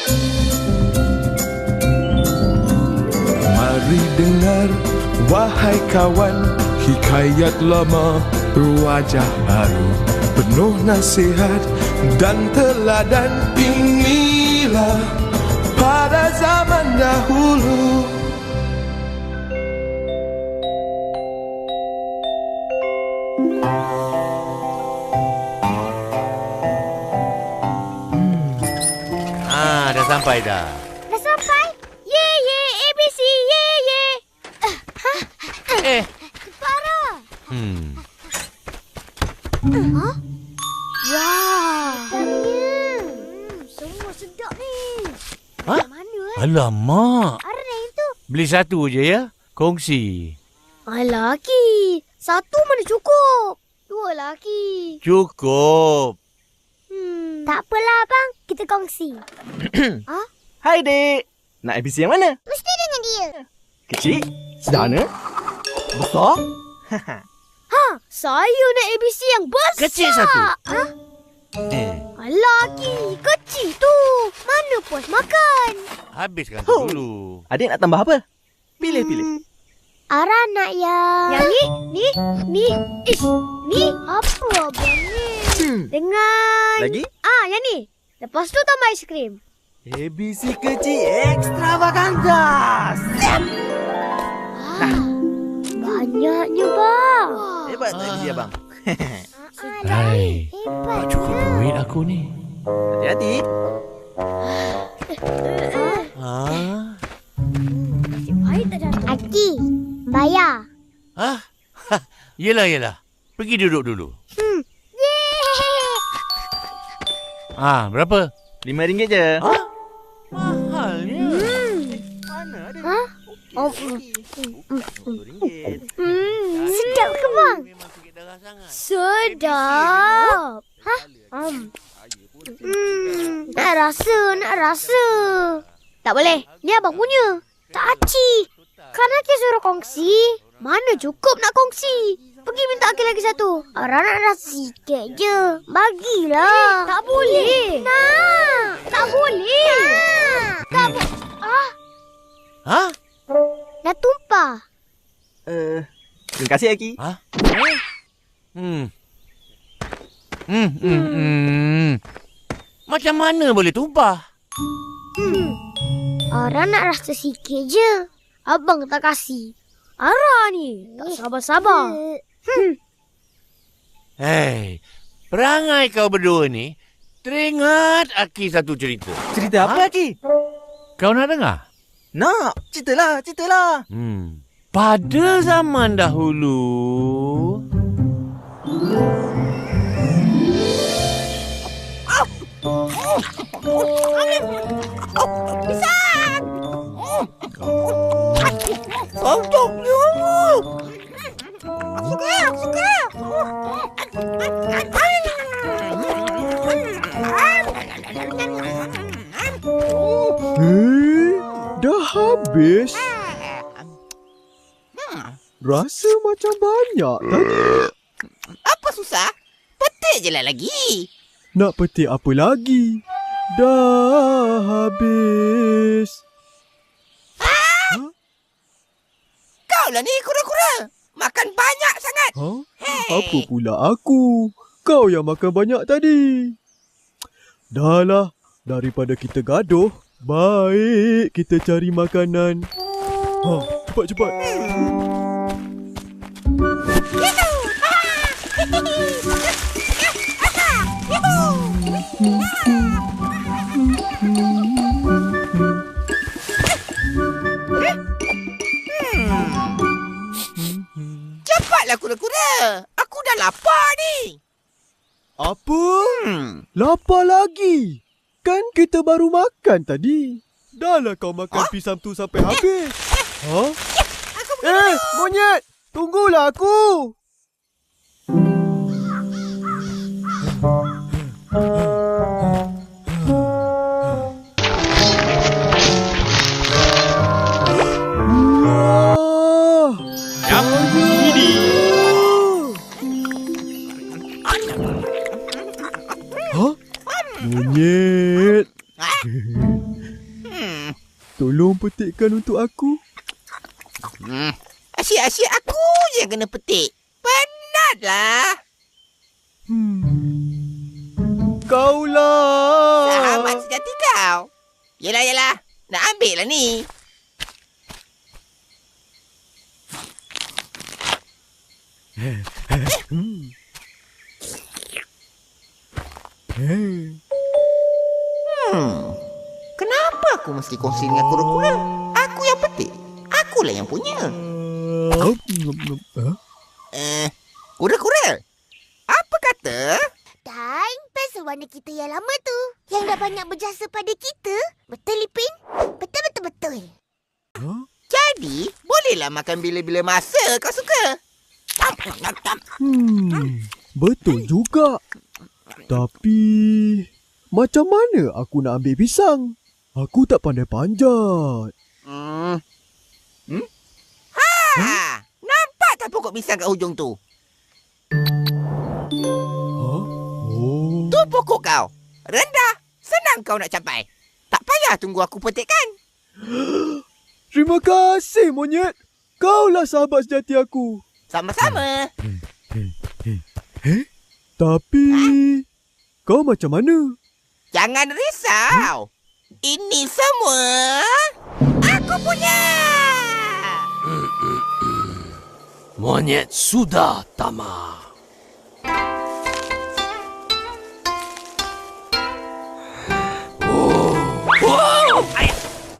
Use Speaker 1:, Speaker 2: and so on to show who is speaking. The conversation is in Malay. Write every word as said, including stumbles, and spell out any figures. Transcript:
Speaker 1: Mari dengar, wahai kawan, hikayat lama berwajah baru, penuh nasihat dan teladan. Inilah pada zaman dahulu.
Speaker 2: Ah, dah sampai dah.
Speaker 3: Dah sampai? Ye ye A B C ye ye.
Speaker 2: Eh.
Speaker 3: Kepala.
Speaker 2: Hmm.
Speaker 3: Huh? Wah. Sedapnya. Hmm, semua sedap ni.
Speaker 2: Ha?
Speaker 3: Kat mana eh?
Speaker 2: Alamak.
Speaker 3: Ada yang itu.
Speaker 2: Beli satu je ya. Kongsi.
Speaker 3: Alah, Ki. Satu mana cukup? Dua lagi.
Speaker 2: Cukup.
Speaker 3: Hmm. Tak apalah, abang. Kita kongsi. Ha?
Speaker 4: Hai, dek. Nak A B C yang mana?
Speaker 3: Mesti dengan dia.
Speaker 4: Kecil? Sederhana? Besar?
Speaker 3: Ha, saya nak A B C yang besar.
Speaker 2: Kecil satu.
Speaker 3: Ha?
Speaker 2: Eh.
Speaker 3: Alah, Ki. Kecil tu. Mana puas makan?
Speaker 2: Habiskan
Speaker 4: Oh.
Speaker 2: tu dulu.
Speaker 4: Adik nak tambah apa? Pilih-pilih.
Speaker 3: Hmm. Ara nak yang... Yang ni? Ni? Ni? Ish. Ni? Apa abang ni?
Speaker 4: Hmm.
Speaker 3: Dengan...
Speaker 4: Lagi?
Speaker 3: Ah, yang ni. Lepas tu tambah aiskrim.
Speaker 4: A B C kecil extravaganza. Siap!
Speaker 3: Ah, banyaknya, bang.
Speaker 4: Hebat tak A B C abang?
Speaker 2: Hai.
Speaker 3: Hebat.
Speaker 2: Tak cukup duit aku ni.
Speaker 4: Hati-hati.
Speaker 2: Ah.
Speaker 3: Nasib baik tak jatuh. Aki, bayar.
Speaker 2: Ah. Yelah, yelah. Pergi duduk dulu.
Speaker 3: Hmm. Yeay.
Speaker 2: Ah, berapa?
Speaker 4: Lima ringgit je.
Speaker 2: Ah? Mahalnya.
Speaker 4: Mana ada?
Speaker 3: Ha? Oh, mm.
Speaker 4: Satu ringgit.
Speaker 3: Hmm, sedap ke, bang?
Speaker 2: Memang sikit darah sangat.
Speaker 3: Sedap. Ha? Um. Hmm, nak rasa, nak rasa. Tak boleh. Ni abang punya. Tak aci. Kan Aki suruh kongsi. Mana cukup nak kongsi. Pergi minta Aki lagi satu. Ara nak rasa sikit je. Bagilah. Tak boleh. Nak. Tak boleh. Nak. Tak boleh. Ah,
Speaker 2: Ha?
Speaker 3: dah tumpah.
Speaker 4: Uh, terima kasih, Aki.
Speaker 2: Ha? Hmm. Hmm, hmm, hmm. Macam mana boleh tumpah?
Speaker 3: Hmm. Ara nak rasa sikit je. Abang tak kasih. Ara ni tak sabar-sabar. Hmm.
Speaker 2: Hei, perangai kau berdua ni teringat Aki satu cerita.
Speaker 4: Cerita apa, Aki?
Speaker 2: Kau nak dengar?
Speaker 4: Nak. Ceritalah, ceritalah.
Speaker 2: Hmm. Pada zaman dahulu...
Speaker 3: Pisang!
Speaker 4: Santoknya.
Speaker 3: Aku suka, aku suka.
Speaker 5: Eh, dah habis? Rasa macam banyak tadi.
Speaker 6: Apa susah? Petik je lah lagi.
Speaker 5: Nak petik apa lagi? Dah habis.
Speaker 6: Kau lah ni kura-kura. Makan banyak sangat.
Speaker 5: Ha? Apa pula aku? Kau yang makan banyak tadi. Dah lah, daripada kita gaduh, baik kita cari makanan. Ha, cepat-cepat.
Speaker 6: Cepatlah kura-kura. Aku dah lapar ni.
Speaker 5: Apa?
Speaker 6: Hmm.
Speaker 5: Lapar lagi? Kan kita baru makan tadi. Dah lah kau makan pisang tu sampai habis. Ha? Eh, monyet! Tunggulah aku! Wah!
Speaker 2: Yap, ini.
Speaker 5: Ha? Monyet! Tolong petikkan untuk aku.
Speaker 6: Hmm. Asyik-asyik aku je kena petik. Penatlah.
Speaker 5: Hmm. Kaulah.
Speaker 6: Sahabat sejati kau. Yelah, yelah. Nak ambil lah ni.
Speaker 5: Hmm. Hey.
Speaker 6: Hmm. Kenapa aku mesti kongsi dengan kura-kura? Aku yang petik. Akulah yang punya.
Speaker 5: Huh?
Speaker 6: Eh, kura-kura. Apa kata?
Speaker 3: Dan pensel warna kita yang lama tu, yang dah banyak berjasa pada kita. Betul, Lipin? Betul-betul-betul.
Speaker 5: Huh?
Speaker 6: Jadi, bolehlah makan bila-bila masa kau suka.
Speaker 5: Hmm, betul juga. Tapi, macam mana aku nak ambil pisang? Aku tak pandai panjat.
Speaker 6: Hmm. Hmm? Ha! Huh? Nampak tak pokok pisang kat hujung tu?
Speaker 5: Huh? Oh.
Speaker 6: Tu pokok kau. Rendah. Senang kau nak capai. Tak payah tunggu aku petikkan.
Speaker 5: Terima kasih, monyet. Kaulah sahabat sejati aku.
Speaker 6: Sama-sama.
Speaker 5: Eh? Tapi, kau macam mana?
Speaker 6: Jangan risau. Ini semua aku punya.
Speaker 2: Monyet sudah tamat.